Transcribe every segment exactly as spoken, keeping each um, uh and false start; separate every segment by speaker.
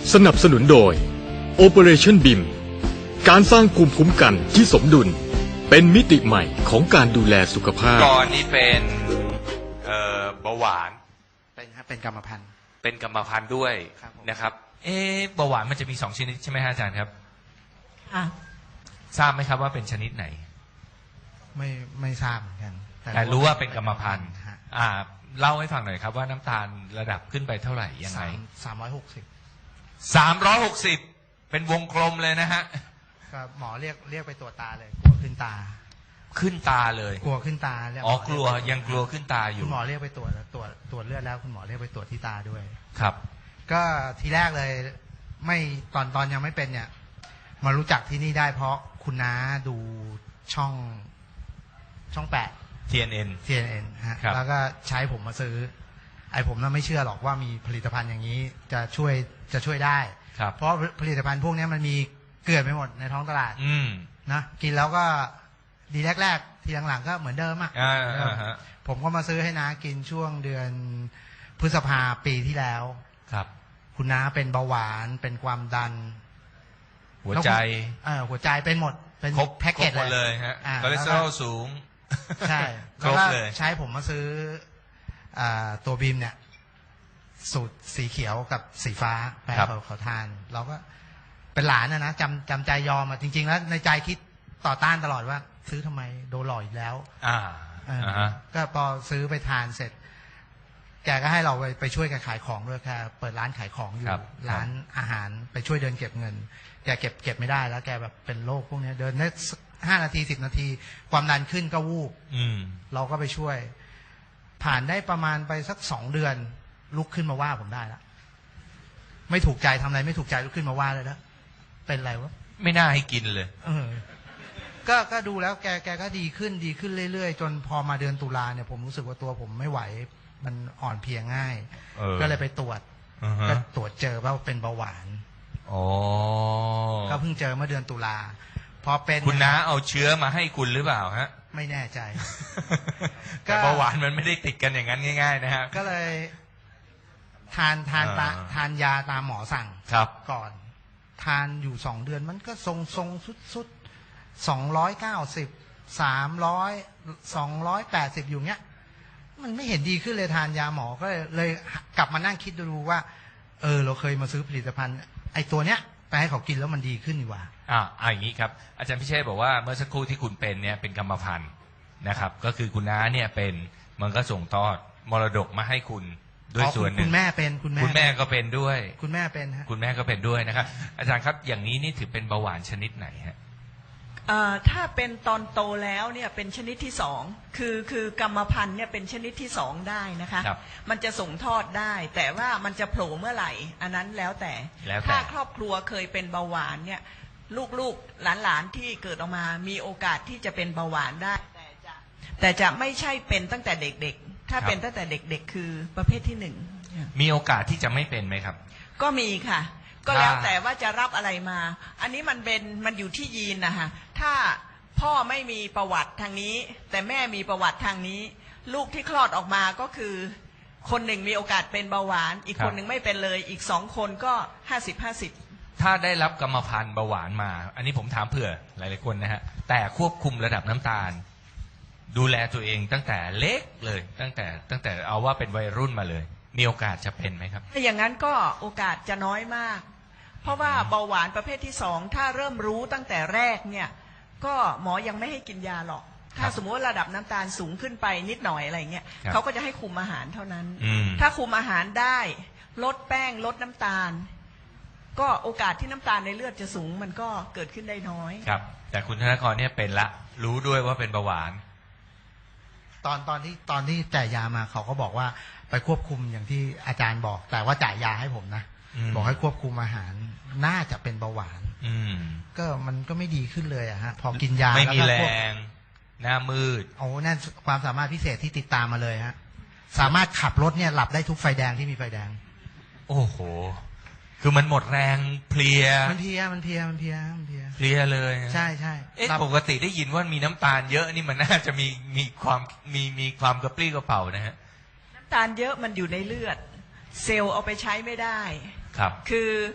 Speaker 1: สนับสนุนโดย Operation บี เอ็ม การสร้างภูมิคุ้มกันที่สมดุลเป็นมิติใหม่ของการดูแลสุขภาพ
Speaker 2: ก่อนนี้เป็นเอ่อเบาหวาน
Speaker 3: เป็นครับเป็นกรรมพันธุ์
Speaker 2: เป็นกรรมพันธุ์ด้วยนะครับเอ๊ะเบาหวานมันจะมีสองชนิดใช่ไหมฮะอาจารย์ครับ
Speaker 4: อ่ะ
Speaker 2: ทราบไหมครับว่าเป็นชนิดไหน
Speaker 3: ไม่ไม่ทราบเหมือนกัน
Speaker 2: แต่รู้ว่าเป็นกรรมพันธุ์อ่าเล่าให้ฟังหน่อยครับว่าน้ำตาลระดับขึ้นไปเท่าไหร่ยังไง
Speaker 3: สามร้อยหกสิบ
Speaker 2: สามร้อยหกสิบเป็นวงกลมเลยนะฮะ
Speaker 3: ก็หมอเรียกเรียกไปตรวจตาเลยกลัวขึ้นตา
Speaker 2: ขึ้นตาเลย
Speaker 3: กลัวขึ้นตา
Speaker 2: อ๋อกลัวยังกลัวขึ้นตาอยู่
Speaker 3: คุณหมอเรียกไปตรวจตรวจตรวจเลือดแล้วคุณหมอเรียกไปตรวจที่ตาด้วย
Speaker 2: ครับ
Speaker 3: ก็ทีแรกเลยไม่ตอนตอนยังไม่เป็นเนี่ยมารู้จักที่นี่ได้เพราะคุณน้าดูช่องช่องแปด
Speaker 2: ที เอ็น เอ็น
Speaker 3: ที เอ็น เอ็น ฮะแล้วก็ใช้ผมมาซื้อไอ้ผมน่ะไม่เชื่อหรอกว่ามีผลิตภัณฑ์อย่างนี้จะช่วยจะช่วยได้เพราะผลิตภัณฑ์พวกนี้มันมีเกลื่อนไปหมดในท้องตลาดนะกินแล้วก็ดีแรกๆทีหลังๆก็เหมือนเดิมอ่ะผมก็มาซื้อให้น้ากินช่วงเดือนพฤษภาปีที่แล้ว
Speaker 2: ครับ
Speaker 3: คุณน้าเป็นเบาหวานเป็นความดัน
Speaker 2: หัวใจ
Speaker 3: เออหัวใจเป็นหมดเป็นแพ็กเกจ
Speaker 2: เลยฮะคอเลสเตอรอลสูง
Speaker 3: ใช่ครบเลยใช้ผมมาซื้อตัวบีมเนี่ยสูตรสีเขียวกับสีฟ้าแปลเขาเขาทานเราก็เป็นหลานนะนะจำจำใจยอมอ่ะจริงๆแล้วในใจคิดต่อต้านตลอดว่าซื้อทำไมโดนหลอกอีกแล้ว
Speaker 2: อ่า
Speaker 3: ก็พอซื้อไปทานเสร็จแกก็ให้เราไปไปช่วยแกขายของด้วยแค่เปิดร้านขายของอยู่ร้านอาหารไปช่วยเดินเก็บเงินแกเก็บเก็บไม่ได้แล้วแกแบบเป็นโรคพวกนี้เดินได้ห้านาทีสิบนาทีความดันขึ้นก็วูบเราก็ไปช่วยผ่านได้ประมาณไปสักสองเดือนลุกขึ้นมาว่าผมได้แล้วไม่ถูกใจทำอะไรไม่ถูกใจลุกขึ้นมาว่าเลยแล้วเป็นอะไรวะ
Speaker 2: ไม่น่าให้กินเลย
Speaker 3: เออก็ก็ดูแล้วแกแกก็ดีขึ้นดีขึ้นเรื่อยๆจนพอมาเดือนตุลาเนี่ยผมรู้สึกว่าตัวผมไม่ไหวมันอ่อนเพลียง่ายก็เลยไปตรวจก็ตรวจเจอว่าเป็นเบาหวาน
Speaker 2: อ๋อ
Speaker 3: ก็เพิ่งเจอเมื่อเดือนตุลาพอเป็น
Speaker 2: คุณน้าเอาเชื้อมาให้คุณหรือเปล่าฮะ
Speaker 3: ไม่แน่ใจ
Speaker 2: แต่เบาหวานมันไม่ได้ติดกันอย่างนั้นง่ายๆนะฮะ
Speaker 3: ก็เลยทานทานตาทานยาตามหมอสั่งก่อนทานอยู่สองเดือนมันก็ทรงทรงสุดสุดสองร้อยเก้าสิบสามร้อยสองร้อยแปดสิบอยู่เงี้ยมันไม่เห็นดีขึ้นเลยทานยาหมอก็เลยเลยกลับมานั่งคิดดูว่าเออเราเคยมาซื้อผลิตภัณฑ์ไอ้ตัวเนี้ยไปให้เขากินแล้วมันดีขึ้นดีกว่า
Speaker 2: อ่าอย่างนี้ครับอาจารย์พิเชษบอกว่าเมื่อสักครู่ที่คุณเป็นเนี่ยเป็นกรรมพันธุ์นะครับก็คือคุณน้าเนี่ยเป็นมันก็ส่งทอดมรดกมาให้คุณด้วยส่วนหนึ่ง
Speaker 3: คุณแม่เป็นคุณแม่
Speaker 2: คุณแม่ก็เป็นด้วย
Speaker 3: คุณแม่เป็นฮะ
Speaker 2: คุณแม่ก็เป็นด้วยนะครับอาจารย์ครับอย่างนี้นี่ถือเป็นเบาหวานชนิดไหนฮะ
Speaker 4: ถ้าเป็นตอนโตแล้วเนี่ยเป็นชนิดที่สองคือคือกรรมพันธุ์เนี่ยเป็นชนิดที่สองได้นะคะมันจะส่งทอดได้แต่ว่ามันจะโผล่เมื่อไหร่อันนั้นแล้วแต่ถ้าครอบครัวเคยเป็นเบาหวานเนี่ยลูกๆหลานๆที่เกิดออกมามีโอกาสที่จะเป็นเบาหวานได้แต่จะแต่จะไม่ใช่เป็นตั้งแต่เด็กๆถ้าเป็นตั้งแต่เด็กๆคือประเภทที่หนึ่ง
Speaker 2: มีโอกาสที่จะไม่เป็นไหมครับ
Speaker 4: ก็มีค่ะก็แล้วแต่ว่าจะรับอะไรมาอันนี้มันเป็นมันอยู่ที่ยีนนะคะถ้าพ่อไม่มีประวัติทางนี้แต่แม่มีประวัติทางนี้ลูกที่คลอดออกมาก็คือคนหนึ่งมีโอกาสเป็นเบาหวานอีกคนหนึ่งไม่เป็นเลยอีกสองคนก็ห้าสิบห้าสิบ
Speaker 2: ถ้าได้รับกรรมพันธุ์เบาหวานมาอันนี้ผมถามเผื่อหลายๆคนนะฮะแต่ควบคุมระดับน้ำตาลดูแลตัวเองตั้งแต่เล็กเลยตั้งแต่ตั้งแต่เอาว่าเป็นวัยรุ่นมาเลยมีโอกาสจะเป็นไหมครับ
Speaker 4: ถ้าอย่างนั้นก็โอกาสจะน้อยมากเพราะว่าเบาหวานประเภทที่สองถ้าเริ่มรู้ตั้งแต่แรกเนี่ยก็หมอยังไม่ให้กินยาหรอกถ้าสมมติว่าระดับน้ำตาลสูงขึ้นไปนิดหน่อยอะไรเงี้ยเขาก็จะให้คุมอาหารเท่านั้นถ้าคุมอาหารได้ลดแป้งลดน้ำตาลก็โอกาสที่น้ำตาลในเลือดจะสูงมันก็เกิดขึ้นได้น้อย
Speaker 2: ครับแต่คุณธนกรเนี่ยเป็นละรู้ด้วยว่าเป็นเบาหวาน
Speaker 3: ตอนตอนที่ตอนที่จ่ายยามาเขาก็บอกว่าไปควบคุมอย่างที่อาจารย์บอกแต่ว่าจ่ายยาให้ผมนะบอกให้ควบคุมอาหารน่าจะเป็นเบาหวานก็มันก็ไม่ดีขึ้นเลยอะฮะพอกินยา
Speaker 2: ไม่มีแรงหน้ามืด
Speaker 3: โอ้นั่นความสามารถพิเศษที่ติดตามมาเลยฮะสามารถขับรถเนี่ยหลับได้ทุกไฟแดงที่มีไฟแดง
Speaker 2: โอ้โหคือมันหมดแรงเพลีย
Speaker 3: มันเพลียมันเพลียมันเพลียมันเพลีย
Speaker 2: เพลียเลย
Speaker 3: ใช่ใช่
Speaker 2: เอ๊ะปกติได้ยินว่ามีน้ำตาลเยอะนี่มันน่าจะมีมีความมีมีความกระปรี้กระเป๋านะฮะ
Speaker 4: น้ำตาลเยอะมันอยู่ในเลือดเซลล์เอาไปใช้ไม่ได้
Speaker 2: ครับ
Speaker 4: คือ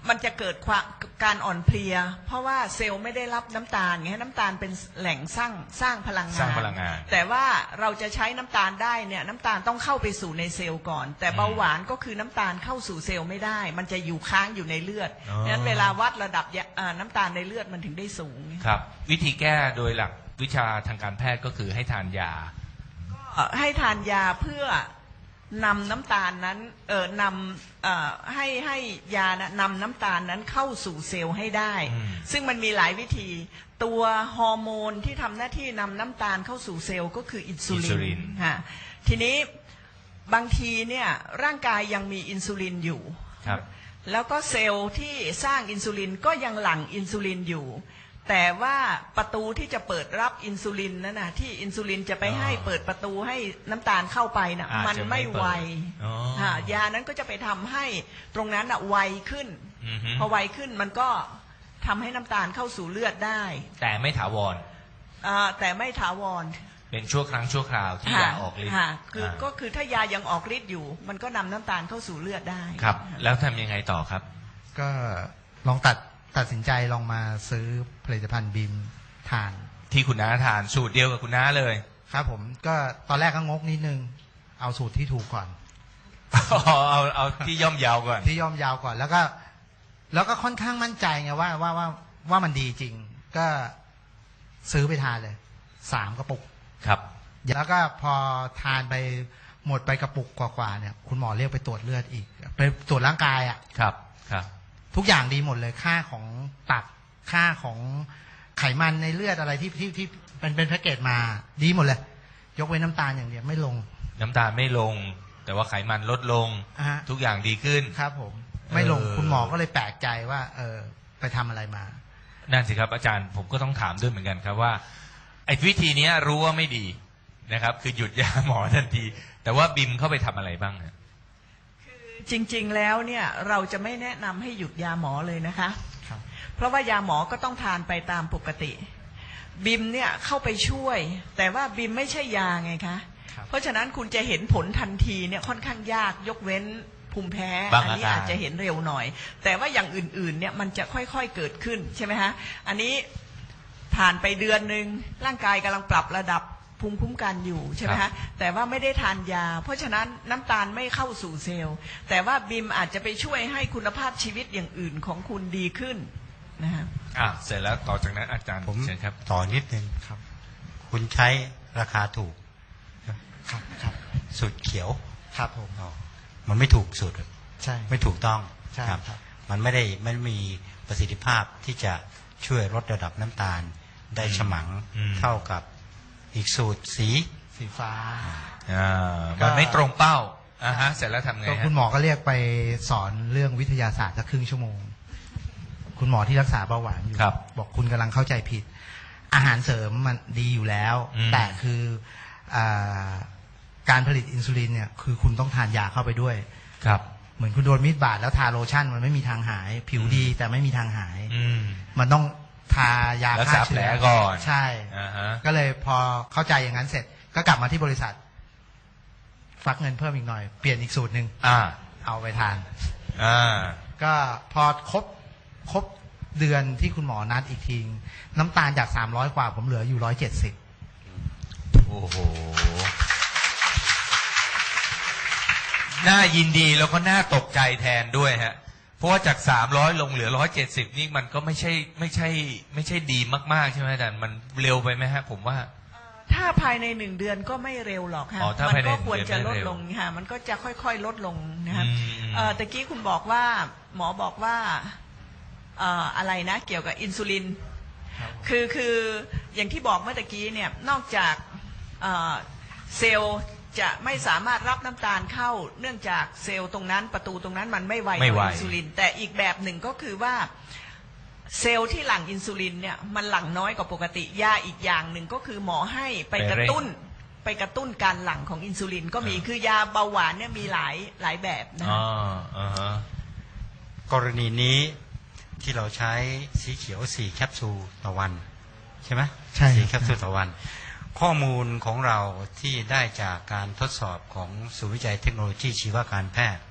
Speaker 4: มันจะเกิดความการอ่อนเพลียเพราะว่าเซลล์ไม่ได้รับน้ำตาลไงน้ำตาลเป็นแหล่งสร้างสร้างพลังงาน
Speaker 2: สร้างพลังงาน
Speaker 4: แต่ว่าเราจะใช้น้ำตาลได้เนี่ยน้ำตาลต้องเข้าไปสู่ในเซลล์ก่อนแต่เบาหวานก็คือน้ำตาลเข้าสู่เซลล์ไม่ได้มันจะอยู่ค้างอยู่ในเลือดดังนั้นเวลาวัดระดับน้ำตาลในเลือดมันถึงได้สูง
Speaker 2: ครับวิธีแก้โดยหลักวิชาทางการแพทย์ก็คือให้ทานยา
Speaker 4: ก็ให้ทานยาเพื่อนำน้ำตาลนั้นเอ่อนำเอ่อให้ให้ยานะนำน้ำตาลนั้นเข้าสู่เซลล์ให้ได้ซึ่งมันมีหลายวิธีตัวฮอร์โมนที่ทำหน้าที่นำน้ำตาลเข้าสู่เซลล์ก็คืออินซูลินฮะทีนี้บางทีเนี่ยร่างกายยังมีอินซูลินอยู่แล้วก็เซลล์ที่สร้างอินซูลินก็ยังหลั่งอินซูลินอยู่แต่ว่าประตูที่จะเปิดรับอินซูลินนั่นนะที่อินซูลินจะไปให้เปิดประตูให้น้ำตาลเข้าไปนะ่ะมันไม่ไวยานั้นก็จะไปทำให้ตรงนั้นอ่ะไวขึ้นพอไวขึ้นมันก็ทำให้น้ำตาลเข้าสู่เลือดได้
Speaker 2: แต่ไม่ถาวร
Speaker 4: แต่ไม่ถาวร
Speaker 2: เป็นชั่วครั้งชั่วคราวที่ยาออกฤทธิ์
Speaker 4: คือก็คือถ้ายายังออกฤทธิ์อยู่มันก็นำน้ำตาลเข้าสู่เลือดได้
Speaker 2: ครับแล้วทำยังไงต่อครับ
Speaker 3: ก็ลองตัดตัดสินใจลองมาซื้อผลิตภัณฑ์บีมทาน
Speaker 2: ที่คุณน้าทานสูตรเดียวกับคุณน้าเลย
Speaker 3: ครับผมก็ตอนแรกก็งกนิดนึงเอาสูตรที่ถูกก่อน
Speaker 2: เอาเอาเอาที่ย่อมยาวก่อน
Speaker 3: ที่ย่อมยาวก่อนแล้วก็แล้วก็ค่อนข้างมั่นใจไงว่าว่าว่าว่ามันดีจริงก็ซื้อไปทานเลยสามกระปุก
Speaker 2: ครับ
Speaker 3: แล้วก็พอทานไปหมดไปกระปุกกว่าๆเนี่ยคุณหมอเรียกไปตรวจเลือดอีกไปตรวจร่างกายอ่ะ
Speaker 2: ครับครับ
Speaker 3: ทุกอย่างดีหมดเลยค่าของตับค่าของไขมันในเลือดอะไรที่ที่ที่เป็นเป็นแพ็กเกจมาดีหมดเลยยกเว้นน้ำตาลอย่างเดียวไม่ลง
Speaker 2: น้ำตาลไม่ลงแต่ว่าไขมันลดลงทุกอย่างดีขึ้น
Speaker 3: ครับผมไม่ลงคุณหมอก็เลยแปลกใจว่าเออไปทำอะไรมา
Speaker 2: นั่นสิครับอาจารย์ผมก็ต้องถามด้วยเหมือนกันครับว่าไอ้วิธีนี้รู้ว่าไม่ดีนะครับคือหยุดยาหมอทันทีแต่ว่าบิมเข้าไปทำอะไรบ้างเนี่ย
Speaker 4: จริงๆแล้วเนี่ยเราจะไม่แนะนำให้หยุดยาหมอเลยนะคะเพราะว่ายาหมอก็ต้องทานไปตามปกติบิมเนี่ยเข้าไปช่วยแต่ว่าบิมไม่ใช่ยาไงคะเพราะฉะนั้นคุณจะเห็นผลทันทีเนี่ยค่อนข้างยากยกเว้นภูมิแพ้อันนี้อาจจะเห็นเร็วหน่อยแต่ว่าอย่างอื่นๆเนี่ยมันจะค่อยๆเกิดขึ้นใช่ไหมฮะอันนี้ผ่านไปเดือนนึงร่างกายกำลังปรับระดับภูมิคุ้มกันอยู่ใช่ไหมฮะแต่ว่าไม่ได้ทานยาเพราะฉะนั้นน้ำตาลไม่เข้าสู่เซลล์แต่ว่าบิมอาจจะไปช่วยให้คุณภาพชีวิตอย่างอื่นของคุณดีขึ้นนะฮะ
Speaker 2: อ่ะเสร็จแล้วต่อจากนั้นอาจารย์
Speaker 5: ผม
Speaker 2: เชิญครับ
Speaker 5: ต่อนิดนึงครับคุณใช้ราคาถูก
Speaker 3: ครับครับ
Speaker 5: สูตรเขียว
Speaker 3: ครับผม
Speaker 5: มันไม่ถูกสูตร
Speaker 3: ใช่
Speaker 5: ไม่ถูกต้อง
Speaker 3: ใช่ครับ
Speaker 5: มันไม่ได้ไม่มีประสิทธิภาพที่จะช่วยลดระดับน้ำตาลได้ฉมังเท่ากับอีกสูตรสี
Speaker 3: สีฟ้า
Speaker 2: อ่ามันไม่ตรงเป้าอ่าฮะเสร็จแล้วทำไง
Speaker 3: คุณหมอก็เรียกไปสอนเรื่องวิทยาศาสตร์สักครึ่งชั่วโมงคุณหมอที่รักษาเบาหวานอยู่บอกคุณกำลังเข้าใจผิดอาหารเสริมมันดีอยู่แล้วแต่คือการผลิตอินซูลินเนี่ยคือคุณต้องทานยาเข้าไปด้วย
Speaker 2: ครับ
Speaker 3: เหมือนคุณโดนมีดบาดแล้วทาโลชั่นมันไม่มีทางหายผิวดีแต่ไม่มีทางหายมันต้องทายาฆ่าเชื้อ
Speaker 2: ก่อน
Speaker 3: ใช่ก็เลยพอเข้าใจอย่างนั้นเสร็จก็กลับมาที่บริษัทฟักเงินเพิ่มอีกหน่อยเปลี่ยนอีกสูตรหนึ่งเอาไปทานก็พอครบครบเดือนที่คุณหมอนัดอีกทีน้ำตาลจากสามร้อยกว่าผมเหลืออยู่ร้อยเจ็ดสิบ
Speaker 2: โอ้โหน่ายินดีแล้วก็น่าตกใจแทนด้วยฮะเพราะว่าจากสามร้อยลงเหลือร้อยเจ็ดสิบนี่มันก็ไม่ใช่ไม่ใช่ไม่ใช่ดีมากๆใช่ไหมอาจารย์มันเร็วไปไหมฮะผมว่า
Speaker 4: ถ้าภายในหนึ่งเดือนก็ไม่เร็วหรอกค่ะมันก็ควรจะลดลงค่ะมันก็จะค่อยๆลดลงนะครับตะกี้คุณบอกว่าหมอบอกว่าอะไรนะเกี่ยวกับอินซูลินคือคืออย่างที่บอกเมื่อตะกี้เนี่ยนอกจากเซลล์จะไม่สามารถรับน้ำตาลเข้าเนื่องจากเซลล์ตรงนั้นประตูตรงนั้นมันไม่ไวต่ออินซูลินแต่อีกแบบหนึ่งก็คือว่าเซลล์ที่หลั่งอินซูลินเนี่ยมันหลั่งน้อยกว่าปกติยาอีกอย่างหนึ่งก็คือหมอให้ไปกระตุ้นไปกระตุ้นการหลั่งของอินซูลินก็มีคือยาเบาหวานเนี่ยมีหลายหลายแบบนะ
Speaker 5: กรณีนี้ที่เราใช้สีเขียวสี่แคปซูลต่อวันใช่ไหม
Speaker 3: ใช่
Speaker 5: สี่แคปซูลต่อวันข้อมูลของเราที่ได้จากการทดสอบของศูนย์วิจัยเทคโนโลยีชีวการแพทย์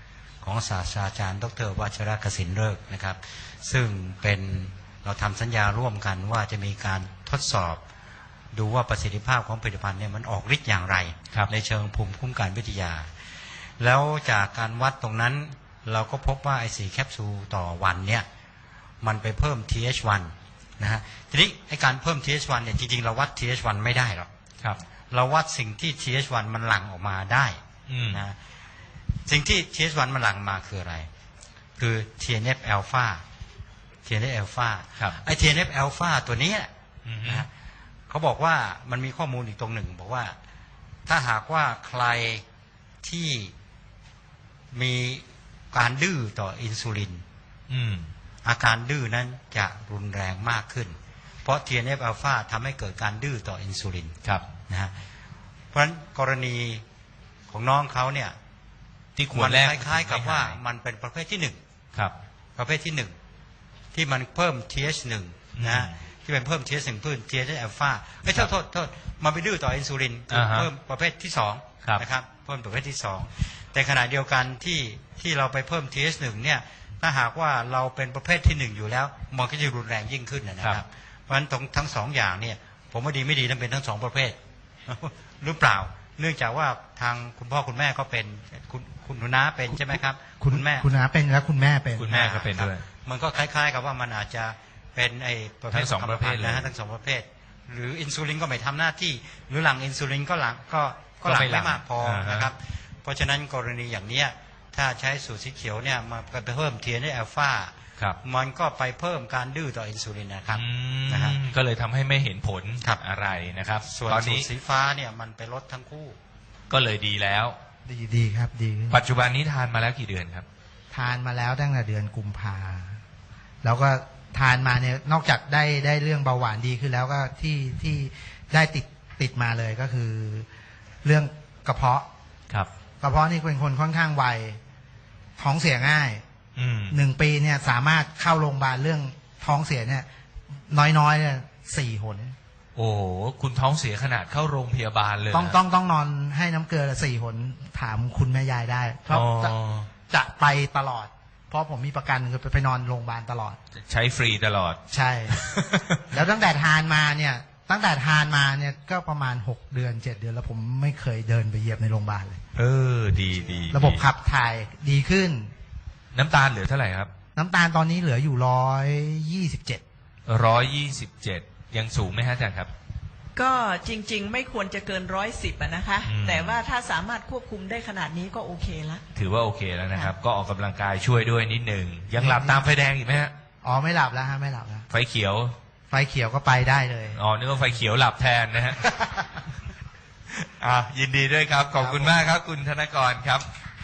Speaker 5: ของศาสตราจารย์ดร.วัชรกสินฤกษ์นะครับซึ่งเป็นเราทำสัญญาร่วมกันว่าจะมีการทดสอบดูว่าประสิทธิภาพของผลิตภัณฑ์เนี่ยมันออกฤทธิ์อย่างไรในเชิงภูมิคุ้มกันวิทยาแล้วจากการวัดตรงนั้นเราก็พบว่าไอสี่แคปซูลต่อวันเนี่ยมันไปเพิ่ม ที เอช วัน นะฮะทีนี้ไอการเพิ่ม ที เอช วัน เนี่ยจริงๆเราวัด ที เอช วัน ไม่ได้หรอกเราวัดสิ่งที่ ที เอช วัน มันหลั่งออกมาได้นะสิ่งที่ ที เอช วัน มันหลั่งมาคืออะไรคือ ที เอ็น เอฟ อลฟา ที เอ็น เอฟ อลฟา ไอ ที เอ็น เอฟ อลฟา ตัวนี้นะเขาบอกว่ามันมีข้อมูลอีกตรงหนึ่งบอกว่าถ้าหากว่าใครที่มีการดื้อต่ออินซูลินอาการดื้อนั้นจะรุนแรงมากขึ้นเพราะ ที เอ็น เอฟ อลฟา ทำให้เกิดการดื้อต่ออินซูลินนะฮะเพราะฉะนั้นกรณีของน้องเขาเนี่ย
Speaker 2: ที่ควรแรก
Speaker 5: คล้ายๆกับว่ามันเป็นประเภทที่หนึ่งประเภทที่หนึ่งที่มันเพิ่ม ที เอช วัน นะฮะที่เป็นเพิ่ม ที เอช วัน เพิ่ม ที เอช อลฟาไม่โทษโทษโทษมันไปดื้อต่ออินซูลินเพิ่มประเภทที่สองนะครับเพิ่มประเภทที่สองแต่ขณะเดียวกันที่ที่เราไปเพิ่ม ที เอช วัน เนี่ยถ้าหากว่าเราเป็นประเภทที่หนึ่งอยู่แล้วมันก็จะรุนแรงยิ่งขึ้นนะครับเพราะฉะนั้นทั้งสองอย่างเนี่ยผมว่าดีไม่ดีต้องเป็นทั้งสองประเภทหรือเปล่าเนื่องจากว่าทางคุณพ่อคุณแม่ก็เป็นคุณคุณน้าเป็นใช่ไหมครับ
Speaker 3: คุณแม่คุณน้าเป็นแล้วคุณแม่เป็น
Speaker 2: คุณแม่ก็เป็นด้วย
Speaker 5: มันก็คล้ายๆกับว่ามันอาจจะเป็นไอ้ประเภท
Speaker 2: ทั้งสองประเภทนะ
Speaker 5: ฮะทั้งสองประเภทหรืออินซูลินก็ไม่ทำหน้าที่หรือหลังอินซูลินก็หลังก็ก็หลังไม่มากพอนะครับเพราะฉะนั้นกรณีอย่างนี้ถ้าใช้สูตรสีเขียวเนี่ยมันไปเพิ่ม ที เอ็น เอฟ อลฟามันก็ไปเพิ่มการดื้อต่ออินซูลินนะครับ
Speaker 2: นะครับก็เลยทำให้ไม่เห็นผลอะไรนะครับ
Speaker 5: ส่วนสูตรสีฟ้าเนี่ยมันไปลดทั้งคู่
Speaker 2: ก็เลยดีแล้ว
Speaker 3: ดีดีครับดี
Speaker 2: ปัจจุบันนี้ทานมาแล้วกี่เดือนครับ
Speaker 3: ทานมาแล้วตั้งแต่เดือนกุมภาแล้วก็ทานมาเนี่ยนอกจากได้ได้เรื่องเบาหวานดีขึ้นแล้วก็ที่ที่ได้ติดติดมาเลยก็คือเรื่องกระเพาะ
Speaker 2: ครับ
Speaker 3: กระเพาะนี่เป็นคนค่อนข้างไวท้องเสียง่ายหนึ่งปีเนี่ยสามารถเข้าโรงพยาบาลเรื่องท้องเสียเนี่ยน้อยๆเนี่ยสี่หน
Speaker 2: โอ้คุณท้องเสียขนาดเข้าโรงพยาบาลเลย
Speaker 3: ต้องต้องต้องนอนให้น้ำเกลือสี่หนถามคุณแม่ยายได้เพราะจะจะไปตลอดเพราะผมมีประกันคือไปนอนโรงพยาบาลตลอด
Speaker 2: ใช้ฟรีตลอด
Speaker 3: ใช่ แล้วตั้งแต่ทานมาเนี่ยตั้งแต่ทานมาเนี่ยก็ประมาณหกเดือนเจ็ดเดือนแล้วผมไม่เคยเดินไปเหยียบในโรงพยาบาลเลย
Speaker 2: เออดีดี
Speaker 3: ระบบขับถ่ายดีขึ้น
Speaker 2: น้ำตาลเหลือเท่าไหร่ครับ
Speaker 3: น้ำตาลตอนนี้เหลืออยู่ร้อยยี่สิบเจ็ด
Speaker 2: ร้อยยี่สิบเจ็ดยังสูงไหมฮะอาจารย์ครับ
Speaker 4: ก็จริงๆไม่ควรจะเกินร้อยสิบนะคะแต่ว่าถ้าสามารถควบคุมได้ขนาดนี้ก็โอเคแล้ว
Speaker 2: ถือว่าโอเคแล้วนะครับก็ออกกำลังกายช่วยด้วยนิดหนึ่งยังหลับตามไฟแดงอีกไหมฮะ
Speaker 3: อ๋อไม่หลับแล้วฮะไม่หลับแล้ว
Speaker 2: ไฟเขียว
Speaker 3: ไฟเขียวก็ไปได้เลย
Speaker 2: อ๋อนึกว่าไฟเขียวหลับแทนนะฮะอ่ายินดีด้วยครับขอบคุณมากครับคุณธนกรครับ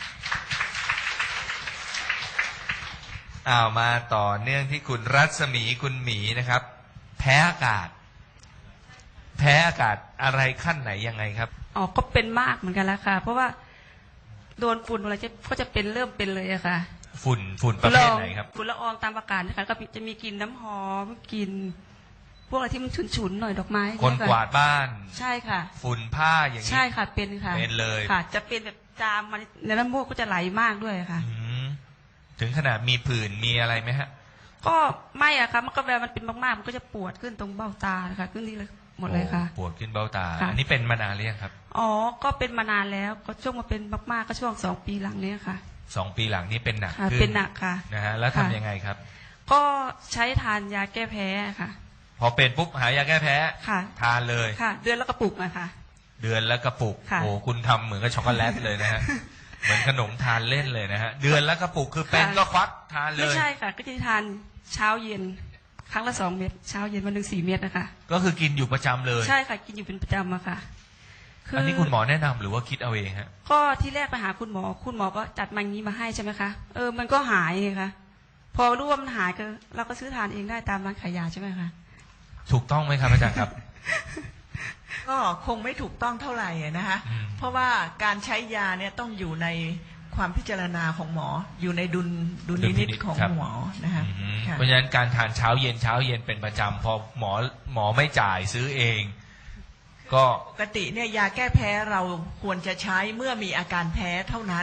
Speaker 2: อ้าวมาต่อเนื่องที่คุณรัศมีคุณหมีนะครับแพ้อากาศแพ้อากาศอะไรขั้นไหนยังไงครับ
Speaker 6: อ๋อก็เป็นมากเหมือนกันแล้วค่ะเพราะว่าโดนฝุ่นอะไรก็จะเป็นเริ่มเป็นเลยอะค่ะ
Speaker 2: ฝุ่นฝุ่นประเภทไหนครับ
Speaker 6: ฝุ่นละอองตามอากาศนะคะก็จะมีกลิ่นน้ำหอมกลิ่นพวกอะไรที่มันฉุนๆหน่อยดอกไม้
Speaker 2: คนกวาดบ้าน
Speaker 6: ใช่ค่ะ
Speaker 2: ฝุ่นผ้าอย่างนี้
Speaker 6: ใช่ค่ะเป็นค่ะ
Speaker 2: เป็นเลย
Speaker 6: ค่ะจะเป็นแบบจามมาในน้ำมูกก็จะไหลมากด้วยค่ะ
Speaker 2: ถึงขนาดมีผื่นมีอะไรไหมฮะ
Speaker 6: ก็ไม่อะค่ะมันก็เวลามันเป็นมากๆมันก็จะปวดขึ้นตรงเบ้าตาค่ะขึ้นที่เลยหมดเลยค่ะ
Speaker 2: ปวดขึ้นเบ้าตาอันนี้เป็นมานานหรือยังครับ
Speaker 6: อ๋อก็เป็นมานานแล้วก็ช่วงมาเป็นมากๆก็ช่วงสองปีหลังนี้ค่ะ
Speaker 2: สองปีหลังนี้เป็นหนัก
Speaker 6: ขึ้นเป็นหนักค่ะ
Speaker 2: นะฮะแล้วทำยังไงครับ
Speaker 6: ก็ใช้ทานยาแก้แพ้ค่ะ
Speaker 2: พอเป็นปุ๊บหายาแก้แพ้
Speaker 6: ค่ะ
Speaker 2: ทานเลย
Speaker 6: ค่ะเดือนละกระปุกอะค่ะ
Speaker 2: เดือนละกระปุกโอ้คุณทำเหมือนกับช็อกโกแลตเลยนะฮะเหมือนขนมทานเล่นเลยนะฮะเดือนละกระปุกคือเป็นก็ควักทานเลย
Speaker 6: ไม่ใช่ค่ะก็จะทานเช้าเย็นครั้งละสองเม็ดเช้าเย็นวันหนึ่งสี่เม็ดนะคะ
Speaker 2: ก็คือกินอยู่ประจำเลย
Speaker 6: ใช่ค่ะกินอยู่เป็นประจำอะค่ะ
Speaker 2: อันนี้คุณหมอแนะนำหรือว่าคิดเอาเองฮะ
Speaker 6: ก็ที่แรกไปหาคุณหมอคุณหมอก็จัดมันนี้มาให้ใช่ไหมคะเออมันก็หายไงคะพอรู้ว่ามันหายก็เราก็ซื้อทานเองได้ตามร้านขายยาใช่ไหมคะ
Speaker 2: ถูกต้องไหมครับอาจารย์ครับ
Speaker 4: ก็คงไม่ถูกต้องเท่าไหร่นะคะเพราะว่าการใช้ยาเนี่ยต้องอยู่ในความพิจารณาของหมออยู่ในดุลดุลพินิจของหมอนะคะ
Speaker 2: เพราะฉะนั้นการทานเช้าเย็นเช้าเย็นเป็นประจำพอหมอหมอไม่จ่ายซื้อเองก็
Speaker 4: ปกติเนี่ยยาแก้แพ้เราควรจะใช้เมื่อมีอาการแพ้เท่านั้น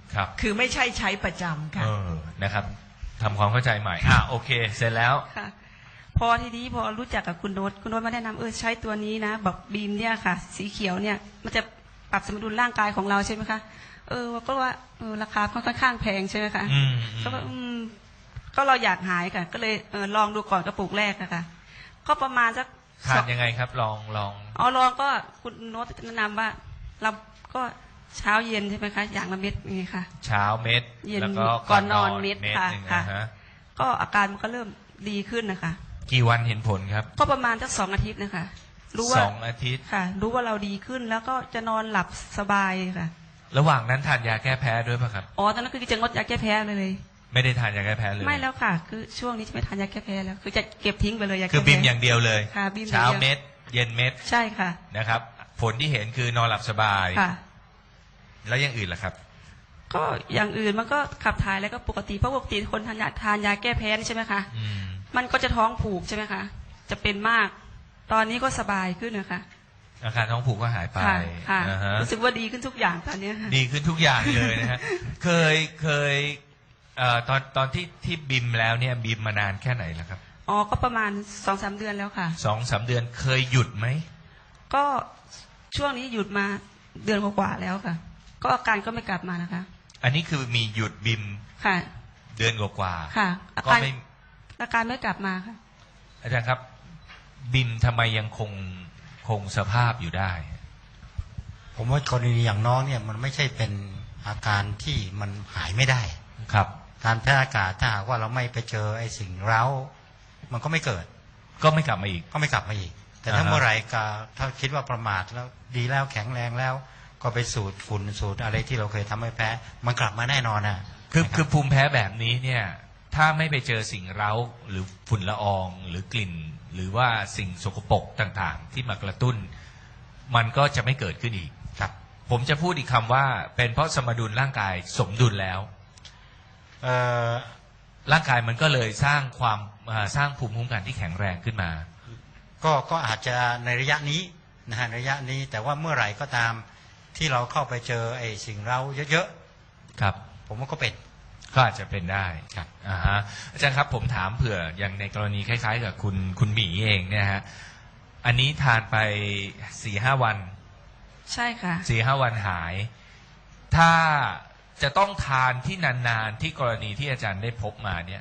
Speaker 2: ครับ
Speaker 4: คือไม่ใช่ใช้ประจำค่ะ
Speaker 2: เออนะครับทำความเข้าใจใหม่อ่ะโอเคเสร็จแล้ว
Speaker 6: ค่ะ พอทีนี้พอรู้จักกับคุณโน้ตคุณโน้ตมาแนะนำเออใช้ตัวนี้นะบอกบีมเนี่ยค่ะ สีเขียวเนี่ยมันจะปรับสมดุลร่างกายของเราใช่ไหมคะเออก็ว่าเออราคาค่อนข้างแพงใช่ไหมคะ
Speaker 2: อืม
Speaker 6: ก็ว่าอืมก็เราอยากหายค่ะ ก็เลยเออลองดูก่อนกระปุกแรกนะคะก็ประมาณสัก
Speaker 2: ทานยังไงครับลองลอง
Speaker 6: อ๋อลองก็คุณโน้ตแนะนำว่าเราก็เช้าเย็นใช่ไหมคะอย่างละเม็ดอย่างนี้ค่ะ
Speaker 2: เช้าเม็ด
Speaker 6: เย็น
Speaker 2: แล้วก็
Speaker 6: ก่อนนอนเม็ดค่ะ
Speaker 2: หนึ่ง
Speaker 6: ค่ะ
Speaker 2: นะฮะ
Speaker 6: ก็อาการมันก็เริ่มดีขึ้นนะคะ
Speaker 2: กี่วันเห็นผลครับ
Speaker 6: ก็ประมาณสักสองอาทิตย์นะคะรู้ว่า
Speaker 2: สองอาทิตย์
Speaker 6: ค่ะ รู้ว่าเราดีขึ้นแล้วก็จะนอนหลับสบายค่ะ
Speaker 2: ระหว่างนั้นทานยาแก้แพ้ด้วยป่ะครับ
Speaker 6: อ๋อตอนนั้นคือจะงดยาแก้แพ้เลย
Speaker 2: ไม่ได้ทานยาแก้แพ้เลย
Speaker 6: ไม่แล้วค่ะ คือช่วงนี้จะไม่ทานยาแก้แพ้แล้ว คือจะเก็บทิ้งไปเลยยาแก้
Speaker 2: คือ
Speaker 6: แพ้
Speaker 2: บิมอย่างเดียวเลย
Speaker 6: ค่ะบิมอย่างเดียว
Speaker 2: เช้าเม็ด เย็นเม็ด
Speaker 6: ใช่ค่ะ
Speaker 2: นะครับ ผลที่เห็นคือนอนหลับสบาย
Speaker 6: ค่ะ
Speaker 2: แล้วอยังอื่นล่ะครับ
Speaker 6: ก็อย่างอื่นมันก็ขับถ่ายแล้วก็ปกติเพราะปกติคนทานยาทานยาแก้แพ้นี่ใช่ไหมคะ
Speaker 2: อืม
Speaker 6: มันก็จะท้องผูกใช่ไหมคะจะเป็นมาก ตอนนี้ก็สบายขึ้นนะคะ
Speaker 2: อาการท้องผูกก็หายไป
Speaker 6: ค่ะค่ะ
Speaker 2: อ่าฮะ
Speaker 6: รู้สึกว่าดีขึ้นทุกอย่างตอนนี้ค่ะ
Speaker 2: ดีขึ้นทุกอย่างเลยนะฮะ เคยเคยเอ่อตอนตอนที่ที่บิมแล้วเนี่ยบิมมานานแค่ไหนแล้วครับ
Speaker 6: อ๋อก็ประมาณสองสามเดือนแล้วค่ะ
Speaker 2: สองสามเดือนเคยหยุดไหม
Speaker 6: ก็ช่วงนี้หยุดมาเดือนกว่าๆแล้วค่ะ ก็อาการก็ไม่กลับมานะคะ
Speaker 2: อันนี้คือมีหยุดบิม
Speaker 6: ค่ะ
Speaker 2: เดือนกว่า
Speaker 6: ค่ะอา
Speaker 2: ๆก็
Speaker 6: การ
Speaker 2: ไม่
Speaker 6: อาการไม่กลับมาค่ะ
Speaker 2: อาจารย์ครับ บิมทำไมยังคงคงสภาพอยู่ได้
Speaker 5: ผมว่ากรณีอย่างน้องเนี่ยมันไม่ใช่เป็นอาการที่มันหายไม่ได้
Speaker 2: ครับ
Speaker 5: การแพ้อากาศถ้าหากว่าเราไม่ไปเจอไอ้สิ่งเร้ามันก็ไม่เกิด
Speaker 2: ก็ไม่กลับมาอีก
Speaker 5: ก็ไม่กลับมาอีก แต่ถ้า
Speaker 2: อ่าฮะ
Speaker 5: เมื่อไหร่ก็ถ้าคิดว่าประมาทแล้วดีแล้วแข็งแรงแล้ว ก็ไปสูดฝุ่นสูดอะไรที่เราเคยทำให้แพ้มันกลับมาแน่นอนนะ
Speaker 2: คือ
Speaker 5: นะรับ
Speaker 2: คือภูมิแพ้แบบนี้เนี่ย ถ้าไม่ไปเจอสิ่งเร้าหรือฝุ่นละอองหรือกลิ่น หรือว่าสิ่งสกปรกต่างๆ ที่มากระตุ้น มันก็จะไม่เกิดขึ้นอีก
Speaker 5: ครับ
Speaker 2: ผมจะพูดอีกคำว่า เป็นเพราะสมดุลร่างกายสมดุลแล้ว
Speaker 5: เอ่อ
Speaker 2: ร่างกายมันก็เลยสร้างความอ่าสร้างภูมิคุ้มกันที่แข็งแรงขึ้นมา
Speaker 5: ก็ก็อาจจะในระยะนี้นะฮะระยะนี้แต่ว่าเมื่อไหร่ก็ตามที่เราเข้าไปเจอไอ้สิ่งเร้าเยอะ
Speaker 2: ครับ
Speaker 5: ๆผมว่าก็เป็น
Speaker 2: ก็อาจจะเป็นได้
Speaker 5: ครับ
Speaker 2: อ่าฮะอาจารย์ครับผมถามเผื่ออย่างในกรณีคล้ายๆ กับคุณคุณหมีเองเนี่ยฮะอันนี้ทานไปสี่ห้าวัน
Speaker 6: ใช่ค่ะ
Speaker 2: สี่ห้าวันหาย ถ้าจะต้องทานที่นานๆที่กรณีที่อาจารย์ได้พบมาเนี่ย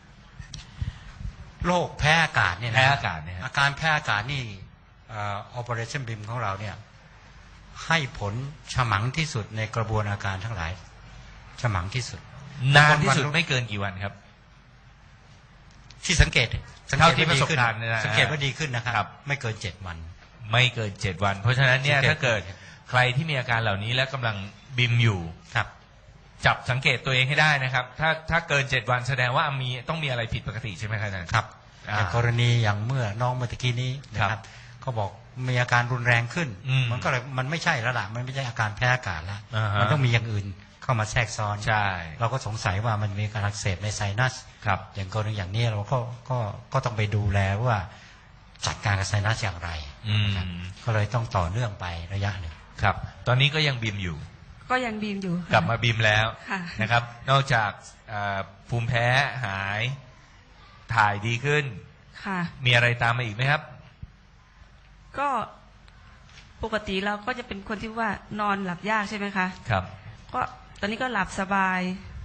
Speaker 5: โรคแพ้อากาศเนี่ยนะ
Speaker 2: แพ้อากาศเนี่ยฮะ
Speaker 5: อาการแพ้อากาศนี่เอ่อ Operationบี เอ ของเราเนี่ยให้ผลฉมังที่สุดในกระบวนอาการทั้งหลายฉมังที่สุด
Speaker 2: นานที่สุดไม่เกินกี่วันครับ
Speaker 5: ที่สังเกตสังเก
Speaker 2: เท่า
Speaker 5: ต
Speaker 2: ที่
Speaker 5: ว่าดีขึ้น
Speaker 2: ประสบการณ์เนี่ยนะ
Speaker 5: สังเกตว่าดีขึ้นนะค
Speaker 2: ครั
Speaker 5: รับ ไม่เกินเจ็ดวัน
Speaker 2: ไม่เกินเจ็ดวัน เพราะฉะนั้นเนี่ย
Speaker 5: สังเกต
Speaker 2: ถ้าเกิดใครที่มีอาการเหล่านี้และกำลังบิมอยู่
Speaker 5: ครับ
Speaker 2: จับสังเกตตัวเองให้ได้นะครับ ถ้าถ้าเกินเจ็ดวันแสดงว่ามีต้องมีอะไรผิดปกติใช่ไหมครับอาจารย์
Speaker 5: ครับ
Speaker 2: อ่า
Speaker 5: แต่กรณีอย่างเมื่อน้องเมื่อตะกี้นี้นะค
Speaker 2: ครั
Speaker 5: รับบ เขาบอกมีอาการรุนแรงขึ้น
Speaker 2: อืม
Speaker 5: มันก็เลยมันไม่ใช่แล้วล่ะมันไม่ใช่อาการแพ้อากาศแล้ว
Speaker 2: อ่าฮะ
Speaker 5: มันต้องมีอย่างอื่นเข้ามาแทรกซ้อน
Speaker 2: ใช่
Speaker 5: เราก็สงสัยว่ามันมีการอักเสบในไซนัส
Speaker 2: ครับ
Speaker 5: อย่างกรณีอย่างนี้เราก็ก็ก็ต้องไปดูแลว่าจัดการกับไซนัสอย่างไร
Speaker 2: อืม
Speaker 5: นะครับก็เลยต้องต่อเนื่องไประยะหนึ่ง
Speaker 2: ครับ ตอนนี้ก็ยังบิมอยู่
Speaker 6: ก็ยังบีมอยู่ค่ะ
Speaker 2: กลับมาบิมแล้ว
Speaker 6: ค่ะ
Speaker 2: นะครับ นอกจากอ่าภูมิแพ้หาย ถ่ายดีขึ้น
Speaker 6: ค่ะ
Speaker 2: มีอะไรตามมาอีกไหมครับ
Speaker 6: ก็ปกติเราก็จะเป็นคนที่ว่านอนหลับยากใช่ไหมคะ
Speaker 2: ครับ
Speaker 6: ก็ตอนนี้ก็หลับสบาย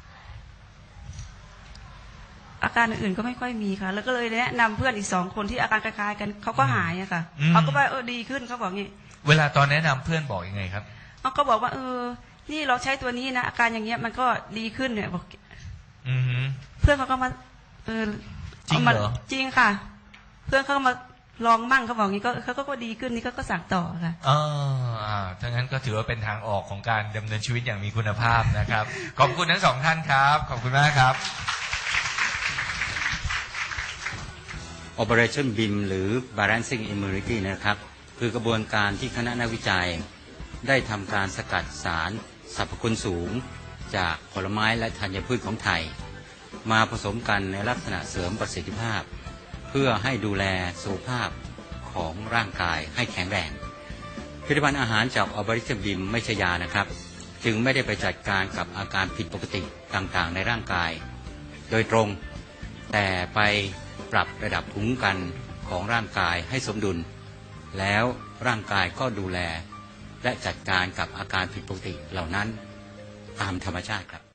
Speaker 6: อาการอื่นๆก็ไม่ค่อยมีค่ะ แล้วก็เลยแนะนำเพื่อนอีกสองคนที่อาการคล้ายๆกันเขาก็หายอะค่ะ
Speaker 2: อืม
Speaker 6: เขาก็ว่าเออดีขึ้นเขาบอกงี้
Speaker 2: เวลาตอนแนะนำเพื่อนบอกยังไงครับ
Speaker 6: เขาก็บอกว่า เออ นี่เราใช้ตัวนี้นะอาการอย่างเงี้ยมันก็ดีขึ้นเนี่ยบอก
Speaker 2: อือฮึ
Speaker 6: เพื่อนเขาก็มา เออ
Speaker 2: จริง
Speaker 6: ามา
Speaker 2: เหรอ
Speaker 6: จริงค่ะ เพื่อนเขาก็มาลองมั่งเขาบอกงี้ก็เขาก็ดีขึ้นนี่ก็ก็สั่งต่อค่ะ
Speaker 2: อ่าอ่าถ้างั้นก็ถือว่าเป็นทางออกของการดำเนินชีวิตอย่างมีคุณภาพนะครับ ขอบคุณทั้งสองท่านครับ ขอบคุณมากครับ
Speaker 5: Operation บี เอ หรือ Balancing Immunity นะครับคือกระบวนการที่คณะนักวิจัยได้ทำการสกัดสารสรรพคุณสูงจากผลไม้และธัญพืชของไทย มาผสมกันในลักษณะเสริมประสิทธิภาพ เพื่อให้ดูแลสุขภาพของร่างกายให้แข็งแรงผลิตภัณฑ์อาหารจาก Operationบี เอ ไม่ใช่ยานะครับจึงไม่ได้ไปจัดการกับอาการผิดปกติต่างๆในร่างกายโดยตรงแต่ไปปรับระดับภูมิคุ้มกันของร่างกายให้สมดุลแล้วร่างกายก็ดูแลและจัดการกับอาการผิดปกติเหล่านั้นตามธรรมชาติครับ